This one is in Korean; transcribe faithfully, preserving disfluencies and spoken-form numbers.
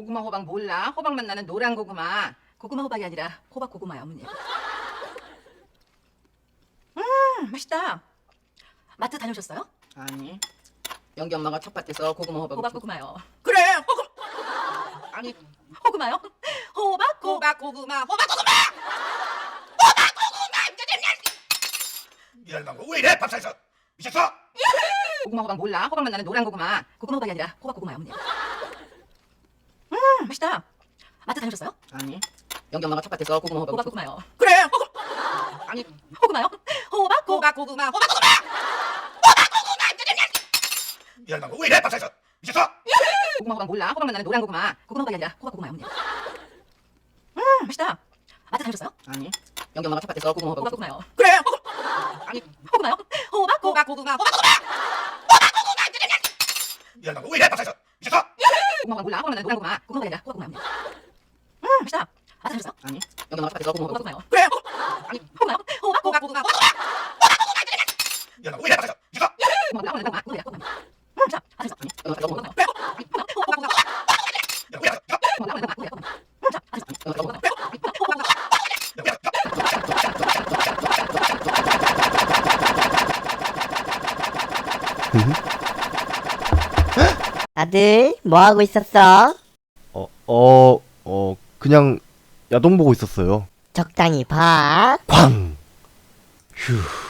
고구마 호박 몰라? 호박맛 나는 노란 고구마. 고구마 호박이 아니라 호박 고구마요, 어머니. 음, 맛있다. 마트 다녀오셨어요? 아니, 영기 엄마가 텃밭에서 고구마 호박. 호박 고구마요. 그래, 호구. 아니, 호구마요? 호박 고. 호박 고구마, 호박 고구마. 이 할망구 왜 이래? 밥상에서 미쳤어? 고구마 호박 몰라? 호박맛 나는 노란 고구마. 고구마 호박이 아니라 호박 고구마요, 어머니. 음, 맛있다. 마트 다녀오셨어요? 아니, 영기 엄마가 텃밭에서 고구마 호박. 호박 고구마요. 그래, 호구. 아니, 호구마요? 호박 고. 호박 고구마, 호박 고구마. 이 할망구 왜 이래? 밥상에서 미쳤어? 고구마 호박 몰라? 호박맛 나는 노란 고구마. 고구마 호박이 아니라 호박 고구마요, 어머니. 음, 맛있다. 마트 다녀오셨어요? 아니, 영기 엄마가 텃밭에서 고구마 호박. 호박 고구마요. 그래, 호구. 아니, 호구마요? 호박 고. 호박 고구마, 호박 고구마. 이 할망구 왜 이래? 밥상에서 미쳤어? 고구마 호박 몰라? 호박맛 나는 노란 고구마. 고구마 호박이 아니라 호박 고구마요, 어머니. 음, 맛있다. 마트 다녀오셨어요? 아니, 영기 엄마가 텃밭에서 고구마 호박 호박. 고구마요. 그래, 호구. 아니, 호구마요? 호박 고. 호박 고구마, 호박 고구마. 이 할망구 왜 이래? 밥상에서 미쳤어? 고구마 몰라? 호박맛 나는 고구마. 고구마 아니라 호구마요. 음, 자, 마트 다녀오셨어요? 아니, 영기 엄마가 텃밭에서 고구마. 호구마요. 그래, 호구. 호구마요? 호박 고구마. 이 할망구 왜 이래? 고구마 몰라? 호박맛 나는 고구마. 호구마요. 음, 자, 마트 다녀오셨어요? 영기 엄마가 호구마요. 아들, 뭐 하고 있었어? 어, 어, 어, 그냥 야동 보고 있었어요. 적당히 봐. 쾅! 휴.